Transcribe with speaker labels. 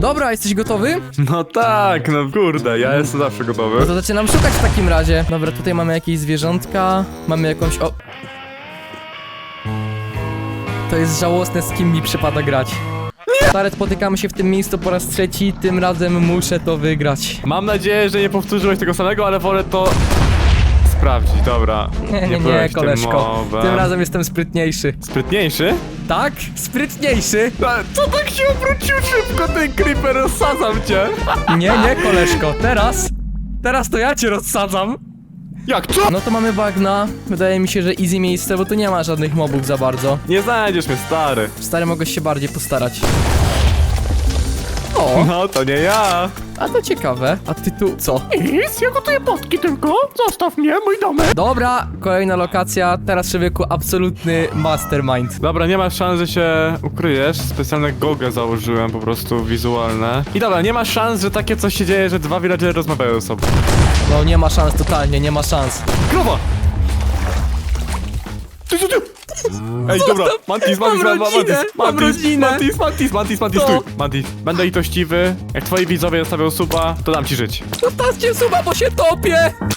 Speaker 1: Dobra, jesteś gotowy?
Speaker 2: No tak, no kurde, ja jestem zawsze
Speaker 1: No
Speaker 2: gotowy.
Speaker 1: to zaczynam szukać w takim razie. Dobra, tutaj mamy jakieś zwierzątka. Mamy jakąś... O! To jest żałosne, z kim mi przypada grać. Stary, spotykamy się w tym miejscu po raz trzeci. Tym razem muszę to wygrać.
Speaker 2: Mam nadzieję, że nie powtórzyłeś tego samego, ale wolę to sprawdzić, dobra.
Speaker 1: Nie,
Speaker 2: byłeś tym
Speaker 1: koleżko.
Speaker 2: mobem.
Speaker 1: Tym razem jestem sprytniejszy.
Speaker 2: Sprytniejszy?
Speaker 1: Tak? Sprytniejszy?
Speaker 2: Ale co tak się obrócił szybko, ten creeper, rozsadzam cię.
Speaker 1: Nie, koleżko. Teraz to ja cię rozsadzam.
Speaker 2: Jak co?
Speaker 1: No to mamy bagna. Wydaje mi się, że easy miejsce, bo tu nie ma żadnych mobów za bardzo.
Speaker 2: Nie znajdziesz mnie, stary.
Speaker 1: Stary, mogłeś się bardziej postarać. O,
Speaker 2: No, to nie ja.
Speaker 1: a to ciekawe. A ty tu co?
Speaker 3: Nic, ja gotuję potki tylko. Zostaw mnie, mój domek.
Speaker 1: Dobra, kolejna lokacja. Teraz, człowieku, absolutny mastermind.
Speaker 2: Dobra, nie masz szans, że się ukryjesz. Specjalne gogle założyłem, po prostu wizualne. I dobra, nie ma szans, że takie coś się dzieje, że dwa villagery rozmawiają ze sobą.
Speaker 1: No nie ma szans, totalnie, nie ma szans.
Speaker 2: Krowa! Ty. Ej, dobra, Mantis,
Speaker 1: mam rodzinę, mam rodzinę.
Speaker 2: Mantis,
Speaker 1: Co?
Speaker 2: stój. Mantis, będę litościwy. Jak twoi widzowie zostawią suba, to dam ci żyć.
Speaker 1: Zostawcie suba, bo się topię!